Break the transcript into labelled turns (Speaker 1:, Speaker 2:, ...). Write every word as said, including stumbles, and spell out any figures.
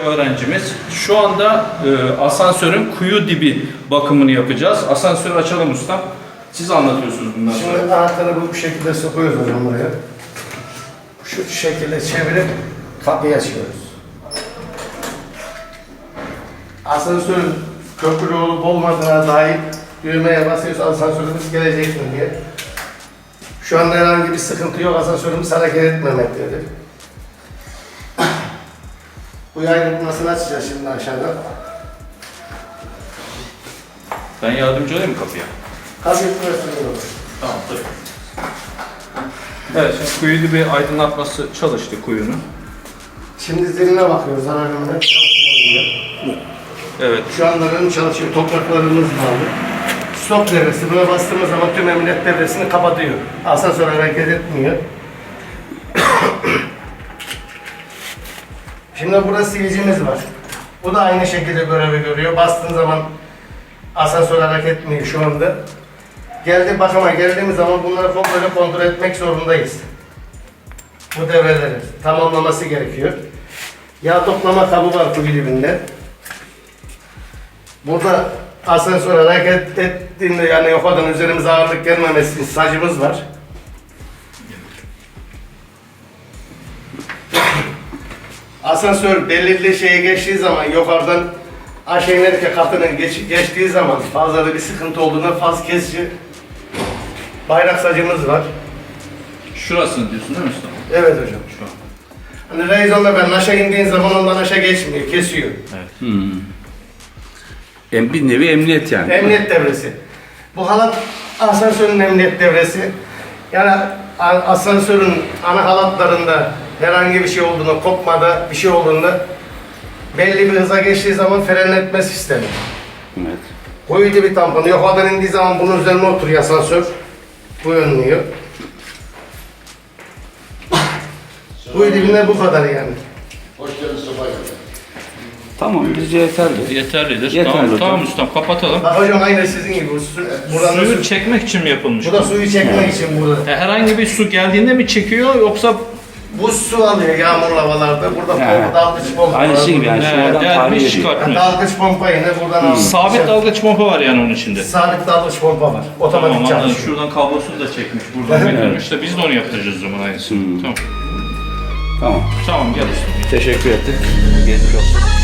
Speaker 1: öğrencimiz. Şu anda e, asansörün kuyu dibi bakımını yapacağız. Asansörü açalım ustam. Siz anlatıyorsunuz bundan sonra.
Speaker 2: Şimdi anahtarı bu şekilde sokuyoruz hocam buraya. Şu şekilde çevirip kapıyı açıyoruz. Asansörün köprülü olup olmadığına dair düğmeye basıyoruz, asansörümüz gelecek mi diye. Şu anda herhangi bir sıkıntı yok, asansörümüz hareket etmemektedir. Bu ayrılmasını açacağız şimdi aşağıda.
Speaker 1: Ben yardımcı olayım mı kapıya?
Speaker 2: Kapıyı tutuyoruz.
Speaker 1: Tamam, tabii. Evet, şimdi kuyu dibi aydınlatması çalıştı kuyunun.
Speaker 2: Şimdi ziline bakıyoruz, alarmına çalışıyor.
Speaker 1: Evet.
Speaker 2: Şu anda benim çalışıyor, topraklarımız bağlı. Stop devresi, buna bastığımız zaman tüm emniyet devresini kapatıyor. Asansör hareket etmiyor. Şimdi burada silicimiz var. Bu da aynı şekilde görevi görüyor. Bastığın zaman asansör hareket etmiyor şu anda. Geldi bakıma geldiğimiz zaman bunları komple kontrol etmek zorundayız. Bu devreleri tamamlaması gerekiyor. Yağ toplama kabı var kuyu dibinde. Burada asansör hareket ettiğinde yani yukarıdan üzerimize ağırlık gelmemesi için sacımız var. Asansör belirli şeye geçtiği zaman yukarıdan aşağı inerken katının geç, geçtiği zaman fazla da bir sıkıntı olduğunda faz kesici bayrak sacımız var.
Speaker 1: Şurasını diyorsun değil mi usta?
Speaker 2: Evet hocam.
Speaker 1: Şu an.
Speaker 2: Hani Reyzon'da ben aşağı indiğin zaman ondan aşağı geçmiyor, kesiyor.
Speaker 1: Evet.
Speaker 3: Hmm. Em- Bir nevi emniyet yani.
Speaker 2: Emniyet devresi. Bu halat asansörün emniyet devresi. Yani a- asansörün ana halatlarında herhangi bir şey olduğunda, kopmada bir şey olduğunda belli bir hıza geçtiği zaman frenletme sistemi.
Speaker 3: Evet.
Speaker 2: Kuyu dibi tamponu yukarıdan indiği zaman bunun üzerine oturuyor asansör. Bu önlüyor. Kuyu dibinde bu kadar yani.
Speaker 4: Hoş geldin, sefa geldin.
Speaker 3: Tamam, bizce yeterli.
Speaker 1: Yeterlidir.
Speaker 3: Yeterli
Speaker 1: tamam,
Speaker 3: hocam.
Speaker 1: tamam ustam, kapatalım.
Speaker 2: Bak hocam aynı sizin gibi. Bu su, buradan da
Speaker 1: Suyu
Speaker 2: su,
Speaker 1: çekmek için mi yapılmış?
Speaker 2: bu da suyu çekmek için burada.
Speaker 1: E, herhangi bir su geldiğinde mi çekiyor yoksa
Speaker 2: Bu su alıyor yağmurlu havalarda. Burada
Speaker 3: Yani,
Speaker 2: pompa, dalgıç pompa
Speaker 3: aynı
Speaker 2: var.
Speaker 3: şey gibi yani.
Speaker 1: He,
Speaker 3: Sonradan
Speaker 1: delmiş
Speaker 3: tahmin ediyor.
Speaker 1: çıkartmıyor?
Speaker 2: Dalgıç pompa yine buradan alıyor.
Speaker 1: Sabit dalgıç pompa var yani onun içinde.
Speaker 2: Sabit dalgıç pompa var. Otomatik
Speaker 1: Tamam, anladım.
Speaker 2: çalışıyor.
Speaker 1: Şuradan kablosunu da çekmiş, buradan getirmiş de biz de onu yaptıracağız o zaman aynısını.
Speaker 3: Hmm.
Speaker 1: Tamam.
Speaker 3: Tamam.
Speaker 1: Tamam, gel ustam.
Speaker 3: Teşekkür ettik. Geçmiş olsun.